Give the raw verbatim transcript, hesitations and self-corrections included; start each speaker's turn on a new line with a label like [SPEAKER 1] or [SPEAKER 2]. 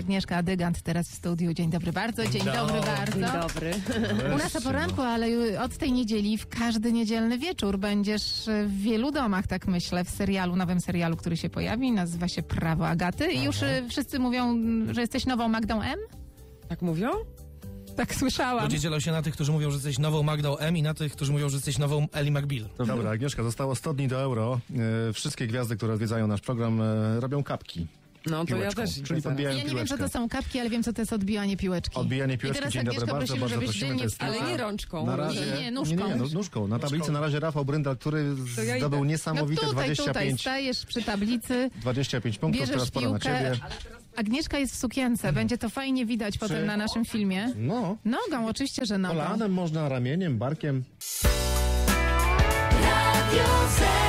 [SPEAKER 1] Agnieszka Dygant teraz w studiu. Dzień dobry bardzo, dzień dobry bardzo.
[SPEAKER 2] Dzień dobry.
[SPEAKER 1] U nas o poranku, ale od tej niedzieli w każdy niedzielny wieczór będziesz w wielu domach, tak myślę, w serialu, nowym serialu, który się pojawi, nazywa się Prawo Agaty. I już y, wszyscy mówią, że jesteś nową Magdą M?
[SPEAKER 2] Tak mówią?
[SPEAKER 1] Tak słyszałam.
[SPEAKER 3] Ludzie dzielą się na tych, którzy mówią, że jesteś nową Magdą M i na tych, którzy mówią, że jesteś nową Ellie McBeal.
[SPEAKER 4] Dobra, Agnieszka, zostało sto dni do euro. E, wszystkie gwiazdy, które odwiedzają nasz program, e, robią kapki.
[SPEAKER 2] No to
[SPEAKER 4] Piłeczką,
[SPEAKER 2] ja też.
[SPEAKER 4] czyli podbijają
[SPEAKER 1] Ja nie wiem,
[SPEAKER 4] piłeczkę.
[SPEAKER 1] co to są kapki, ale wiem, co to jest odbijanie piłeczki.
[SPEAKER 4] Odbijanie piłeczki,
[SPEAKER 1] I teraz
[SPEAKER 4] dzień dobry,
[SPEAKER 1] Agnieszka
[SPEAKER 4] bardzo,
[SPEAKER 1] prosimy,
[SPEAKER 4] bardzo
[SPEAKER 1] żebyś
[SPEAKER 4] prosimy,
[SPEAKER 1] ty
[SPEAKER 4] to
[SPEAKER 1] nie
[SPEAKER 4] jest
[SPEAKER 1] wstała.
[SPEAKER 2] Ale nie rączką.
[SPEAKER 4] Na razie,
[SPEAKER 1] Nie, nie, nóżką.
[SPEAKER 4] Nie, nie, no, nóżką. Na tablicy na razie Rafał Bryndal, który
[SPEAKER 2] To ja
[SPEAKER 4] zdobył
[SPEAKER 2] idę.
[SPEAKER 4] niesamowite
[SPEAKER 1] No tutaj,
[SPEAKER 4] dwadzieścia
[SPEAKER 1] tutaj
[SPEAKER 4] pięć,
[SPEAKER 1] stajesz przy tablicy,
[SPEAKER 4] dwadzieścia pięć punktów,
[SPEAKER 1] bierzesz
[SPEAKER 4] teraz pora na
[SPEAKER 1] piłkę.
[SPEAKER 4] ciebie.
[SPEAKER 1] Agnieszka jest w sukience, będzie to fajnie widać potem na naszym filmie.
[SPEAKER 4] No,
[SPEAKER 1] Nogą, oczywiście, że nogą.
[SPEAKER 4] kolanem można, ramieniem, barkiem.
[SPEAKER 5] Radio Z.